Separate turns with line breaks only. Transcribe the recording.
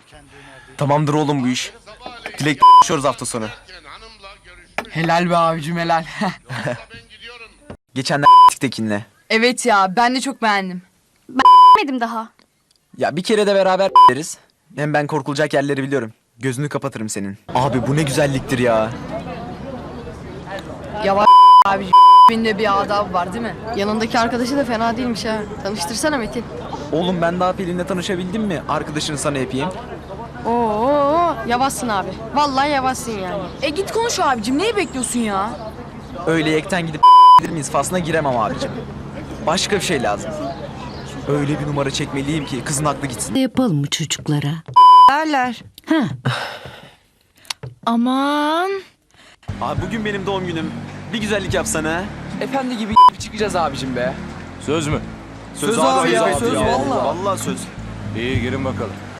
Tamamdır oğlum bu iş. Dilek yaşıyoruz hafta sonu.
Helal be abicim helal.
Geçenler Tekin'le.
Evet ya ben de çok beğendim.
Bilmedim daha.
Ya bir kere de beraber deriz. Hem ben korkulacak yerleri biliyorum. Gözünü kapatırım senin. Abi bu ne güzelliktir ya.
Yavaş abicim. Binde bir adabı var değil mi?
Yanındaki arkadaşı da fena değilmiş ha. Tanıştırsana Metin.
Oğlum ben daha Pelin'le tanışabildim mi? Arkadaşını sana yapayım.
Oo, yavaşsın abi. Vallahi yavaşsın yani.
Git konuş abicim neyi bekliyorsun ya?
Öyle yekten gidip miyiz faslına giremem abicim. Başka bir şey lazım. Öyle bir numara çekmeliyim ki kızın aklı gitsin.
Ne yapalım mı çocuklara?
Derler.
Ha.
Aman.
Abi bugün benim doğum günüm. Bir güzellik yapsana.
Efendi gibi çıkacağız abicim be.
Söz mü?
Söz abi ya, söz
ya.
valla. Valla söz.
İyi girin bakalım.